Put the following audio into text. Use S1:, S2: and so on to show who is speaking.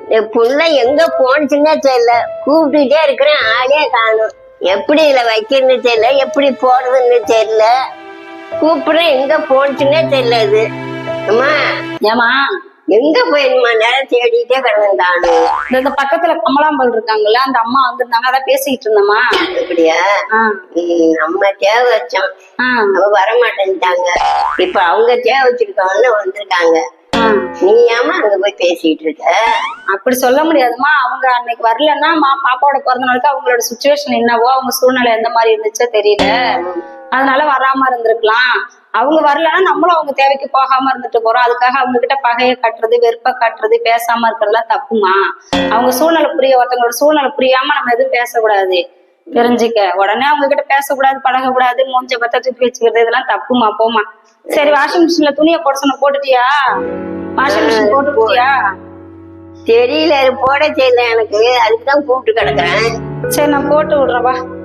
S1: என் புள்ள எங்க போனுச்சுன்னே தெரியல. கூப்பிட்டுட்டே இருக்கிறேன், ஆளே காணும். எப்படி இதுல வைக்கிறதுன்னு தெரியல, எப்படி போடுறதுன்னு தெரியல. கூப்பிடுறேன், எங்க போனுச்சுன்னே தெரியல. இது அம்மா
S2: ஏமா
S1: எங்க போயிருமா? நேரம் தேடிட்டே கிடந்தானு.
S2: இந்த பக்கத்துல கமலாம்பல் இருக்காங்கல்ல, அந்த அம்மா வந்திருந்தாங்க, அதான் பேசிக்கிட்டு இருந்தம்மா.
S1: அப்படியா? நம்ம தேவை வச்சோம், அவ வரமாட்டேன்ட்டாங்க. இப்ப அவங்க தேவை வச்சிருக்கவன்னு வந்திருக்காங்க. நீ ஏமா அங்க போய் பேசிட்டு இருக்க?
S2: அப்படி சொல்ல முடியாதுமா. அவங்க அன்னைக்கு வரலன்னா பாப்பாவோட பிறந்த நாளுக்கு அவங்களோட சுச்சுவேஷன் என்னவோ, அவங்க சூழ்நிலை எந்த மாதிரி இருந்துச்சோ தெரியல, அதனால வராம இருந்திருக்கலாம். அவங்க வரலன்னா நம்மளும் அவங்க தேவைக்கு போகாம இருந்துட்டு போறோம். அதுக்காக அவங்க கிட்ட பகையை காட்டுறது, வெறுப்பை காட்டுறது, பேசாம இருக்கிறதுலாம் தப்புமா. அவங்க சூழ்நிலை ஒருத்தவங்களோட சூழ்நிலை புரியாம நம்ம எதுவும் பேசக்கூடாது, தெரிஞ்சுக்க. உடனே அவங்க கிட்ட பேசக்கூடாது, பழகக்கூடாது, மூஞ்ச பத்த தூக்கி வச்சுக்கிறது, இதெல்லாம் தப்புமா. போமா. சரி, வாஷிங் மிஷின்ல துணியை போட சொன்ன போட்டுட்டியா? Washing machine போட்டுட்டியா?
S1: தெரியல, போட தெரியல எனக்கு, அதுக்குதான் கூப்பிட்டு கிடக்குறேன்.
S2: சரி, நான் போட்டு விடுறவா.